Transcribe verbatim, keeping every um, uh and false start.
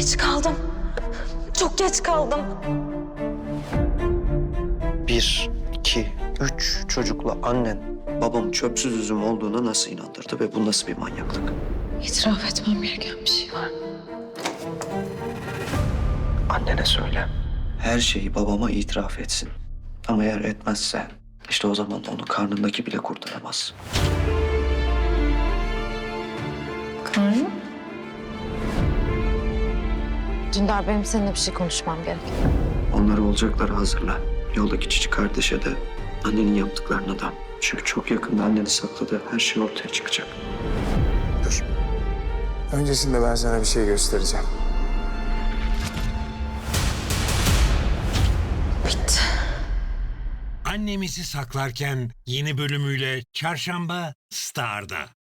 Geç kaldım. Çok geç kaldım. Bir, iki, üç çocukla annen babam çöpsüz üzüm olduğuna nasıl inandırdı ve bu nasıl bir manyaklık? İtiraf etmem gereken bir şey var. Annene söyle. Her şeyi babama itiraf etsin. Ama eğer etmezse işte o zaman onu karnındaki bile kurtaramaz. Karnım? Dündar, benim seninle bir şey konuşmam gerek. Onları olacakları hazırla. Yoldaki cici kardeşe de annenin yaptıklarına da. Çünkü çok yakında annenin sakladığı her şey ortaya çıkacak. Dur. Öncesinde ben sana bir şey göstereceğim. Bitti. Annemizi saklarken yeni bölümüyle Çarşamba Star'da.